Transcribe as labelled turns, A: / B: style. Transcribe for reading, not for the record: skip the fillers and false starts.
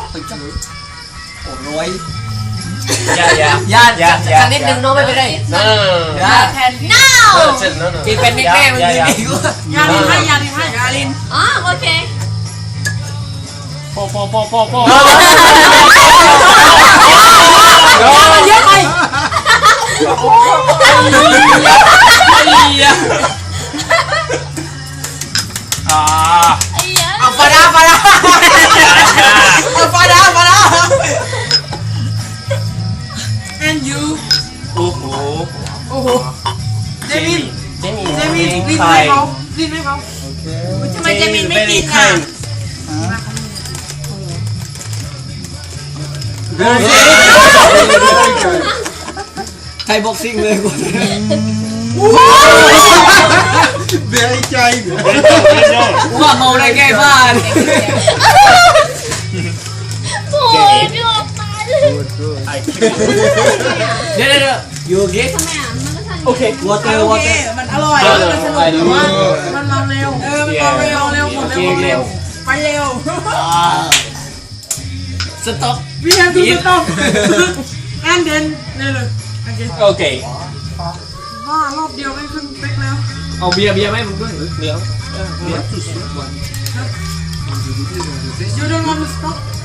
A: rồi
B: Dạ nít đừng nói về đây chịเป็นนิดแม่มันดีกว่ายาลินให้ยาลินอ๋อโอเค
C: พ่อ
B: เยอะไปเอาฟาดาand you
C: โอ้โห
B: เจมินลิ้นให้เขาทำไมเจมินไม่กินอ่ะ
A: ใครบ็อกซิ่งเลยกู
D: เบียร์ใจ
A: ว่าเมาได้แก้บ้าน
E: โอ้ยพี่ออกมา
A: เดี๋ยวอยู่เก๊ก
E: ทำไมอ่ะมันก็ทัน
A: โอเควอเตอร์
B: มันอร่อยมันสนุกแต่ว่ามันมาเร็วมันมาเร็วหมดเร็วไปเร็ว
A: สต็อป
B: we have to stop and then เลย
C: โอเค
B: บ้ารอบเดียวไม่ขึ้นเป๊กแล้ว
A: เอาเบียร์ไหมมึงด้วย
C: เดี๋ยว
B: you don't want to stop